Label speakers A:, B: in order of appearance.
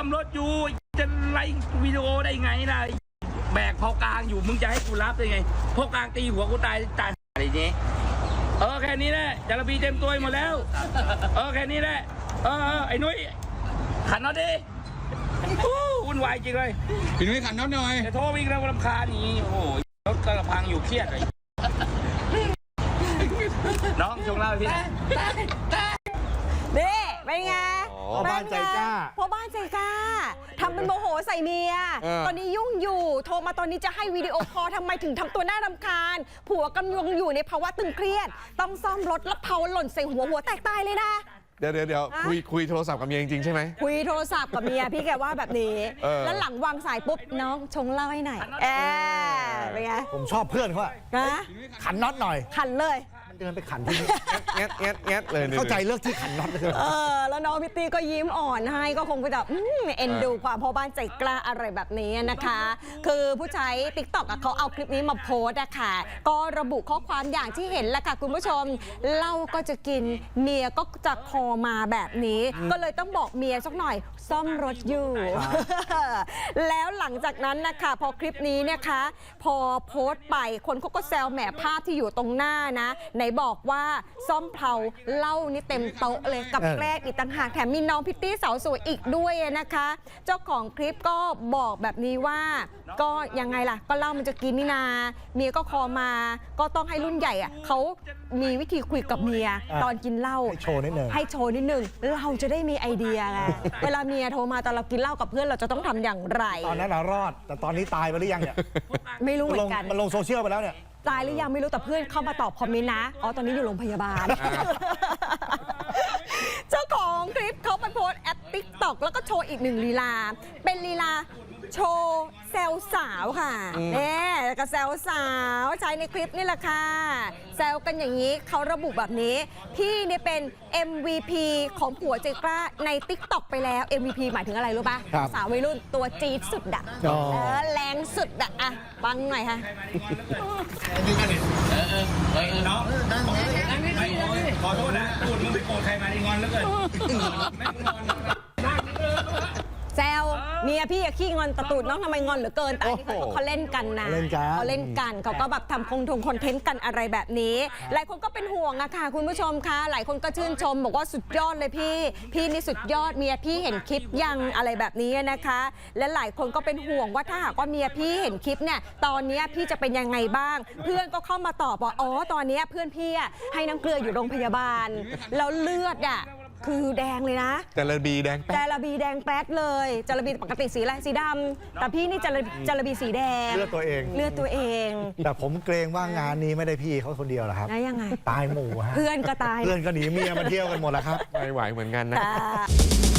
A: มรถอยู่จะไล่วิดีโอได้ไงล่ะแบกพอกลางอยู่มึงจะให้กูรับได้ไงพอกลางตีหัวกูตายอะไรนี้แค่นี้แหละจาระบีเต็มตัวหมดแล้วแค่นี้แหละไอ้นุ้ยขันน็อตดิวุ่นวายจริงเลย
B: พี่นุ้ยขันน็อตหน่อย
A: จะโทรวิ่งแล้วรำคาญนี่โอ้ยรถกระพังอยู่เครียดเลยน้องชงเล่าพี่
C: นี่เป็นไง
D: พ่อบ้านใจกล้า
C: พ่อบ้านใจกล้าทำเป็นโมโหใส่เมียตอนนี้ยุ่งอยู่โทรมาตอนนี้จะให้วิดีโอคอลทำไมถึงทำตัวน่ารำคาญผัวกำลังอยู่ในภาวะตึงเครียดต้องซ่อมรถแล้วเผาหล่นใส่หัวแตกตายเลยนะ
D: เดี๋ยวคุยโทรศัพท์กับเมียจริงๆใช่ไหม
C: คุยโทรศัพท์กับเมียพี่แกว่าแบบนี้แล้วหลังวางสายปุ๊บน้องชงเหล้าให้หน่อยเป็นไง
D: ผมชอบเพื่อนเขาอะขันน็อตหน่อย
C: ขันเลย
D: เดินไปขันที่นี่แงะเลยเข้าใจเลือกที่ขันน็อตเลย
C: แล้วน้องพิตตี้ก็ยิ้มอ่อนให้ก็คงจะเอ็นดูความพ่อบ้านใจกล้าอะไรแบบนี้นะคะคือผู้ใช้ TikTok เขาเอาคลิปนี้มาโพสต์นะคะก็ระบุข้อความอย่างที่เห็นแหละค่ะคุณผู้ชมเหล้าก็จะกินเมียก็จะคอมาแบบนี้ก็เลยต้องบอกเมียสักหน่อยซ่อมรถอยู่แล้วหลังจากนั้นนะคะพอคลิปนี้นะคะพอโพสต์ไปคนเขาก็แซวแหมภาพที่อยู่ตรงหน้านะไหนบอกว่าซ่อมเพลาเหล้านี่เต็มโต๊ะเลยกับแกล้งอีกต่างหากแถมมีน้องพิตตี้สาวสวยอีกด้วยนะคะเจ้าของคลิปก็บอกแบบนี้ว่าก็ยังไงล่ะก็เหล้ามันจะกินนี่นาเมียก็คอมาก็ต้องให้รุ่นใหญ่อะเขามีวิธีคุยกับเมียตอนกินเหล้าให้โชว์นิดนึงเราจะได้มีไอเดียไงเวลาเมียโทรมาตอนเรากินเหล้ากับเพื่อนเราจะต้องทำอย่างไร
D: ตอนนั้นเรารอดแต่ตอนนี้ตายไปหรือยังเนี่ย
C: ไม่รู้เหมือนกัน
D: มันลงโซเชียลไปแล้วเนี่ย
C: ตายหรือยังไม่รู้แต่เพื่อนเข้ามาตอบคอมเมนต์นะตอนนี้อยู่โรงพยาบาลเจ้าของคลิปเขาไปโพสต์แอป TikTok แล้วก็โชว์อีกหนึ่งลีลาเป็นลีลาโชว์แซวสาวค่ะเนี่ยก็แซวสาวใช้ในคลิปนี่แหละค่ะแซวกันอย่างนี้เขาระบุแบบนี้พี่เนี่ยเป็น MVP ของผัวใจกล้าใน TikTok ไปแล้ว MVP หมายถึงอะไรรู้ป่ะสาววัยรุ่นตัวจี๊ดสุดอะแรงสุดอะฟังหน่อยค่ะ
A: น้องขอโทษนะพูดมึงไปโกรธใครมาดีงอนแล้วเกิน
C: แซวเมียพี่ขี้งอนตะตูดน้องทำไมงอนเหลือเกินแต่เขาเล่นกันนะเขาเล่นกันเขาก็แบบทำคอนเทนต์กันอะไรแบบนี้หลายคนก็เป็นห่วงอะค่ะคุณผู้ชมคะหลายคนก็ชื่นชมบอกว่าสุดยอดเลยพี่นี่สุดยอดเมียพี่เห็นคลิปยังอะไรแบบนี้นะคะและหลายคนก็เป็นห่วงว่าถ้าหากว่าเมียพี่เห็นคลิปเนี่ยตอนนี้พี่จะเป็นยังไงบ้างเพื่อนก็เข้ามาตอบว่าตอนนี้เพื่อนพี่ให้น้ำเกลืออยู่โรงพยาบาลแล้วเลือดคือแดงเลยนะ
D: จาระบีแดงแป๊
C: ดเลยจาระบีปกติสีอะไรสีดำแต่พี่นี่จาระบีสีแดง
D: เลือดตัวเองแต่ผมเกรงว่างานนี้ไม่ได้พี่เขาคนเดียวหรอกครับ
C: ยังไง
D: ตายหมู่ฮะ
C: เพื่อนก็ตาย
D: เพื่อนก็หนีเมียมาเที่ยวกันหมดแล้วครับ
B: ไม่ไหวเหมือนกันนะ